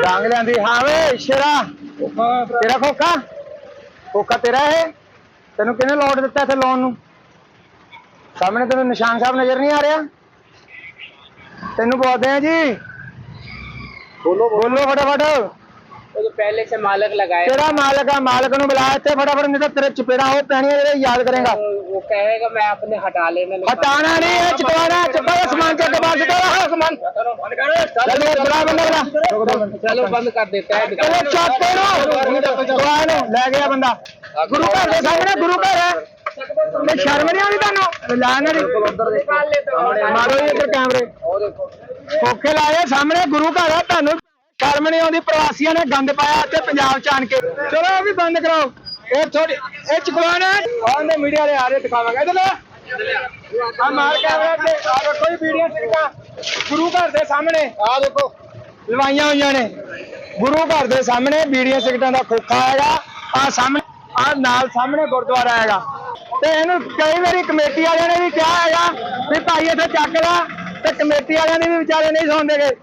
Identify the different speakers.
Speaker 1: ਡਾਂਗ ਲਿਆਂਦੀ। ਹਾਂ ਵੇ ਸ਼ੇਰਾ, ਤੇਰਾ ਖੋਖਾ, ਖੋਖਾ ਤੇਰਾ ਇਹ? ਤੈਨੂੰ ਕਿਹਨੇ ਲੋਟ ਦਿੱਤਾ ਇੱਥੇ ਲਾਉਣ ਨੂੰ? ਸਾਹਮਣੇ ਤੈਨੂੰ ਨਿਸ਼ਾਨ ਸਾਹਿਬ ਨਜ਼ਰ ਨਹੀਂ ਆ ਰਿਹਾ? ਤੈਨੂੰ ਬੋਲਦੇ ਆ ਜੀ, बोलो फटाफट।
Speaker 2: तो पहले से मालक लगाए।
Speaker 1: तेरा मालक है, मालक नु बुला इत्थे फटाफट, नहीं तो तेरे चपेड़ा हो पैनी है, तेरे याद करेगा।
Speaker 2: वो कहेगा मैं अपने हटा लेने।
Speaker 1: हटाना नहीं है, चुकवाना है। चुका सामान के बाद से तेरा सामान चलो बुला बंदा बुला।
Speaker 2: चलो बंद कर देता है।
Speaker 1: चलो चुप करो, ले गया बंदा। गुरु घर के सामने, गुरु घर है, शर्म नहीं आती तुहानू? लाना मारो इधर कैमरे, खोखे लाए सामने, गुरु घर है, तुहानू शर्म नहीं आती? प्रवासियों ने गंद पाया इत्थे पंजाब च आन के। चलो भी बंद कराओ, ये थोड़ी ये चुकवाना है। मीडिया वाले आ रहे, दिखावांगे इधर आ मार कैमरे ते। आ देखो जी वीडियो सिक्का गुरु घर के सामने, आ देखो लवाइया हुई ने गुरु घर के सामने। बीड़ियां सिगरेटां दा खोखा हैगा आ सामने, आ नाल सामने गुरुद्वारा हैगा। ते इहनूं कई बारी कमेटी वालियां ने भी कहा हैगा भी भाई इत्थे चक ला, ते कमेटी वालियां ने भी विचारे नहीं सुणदे गए।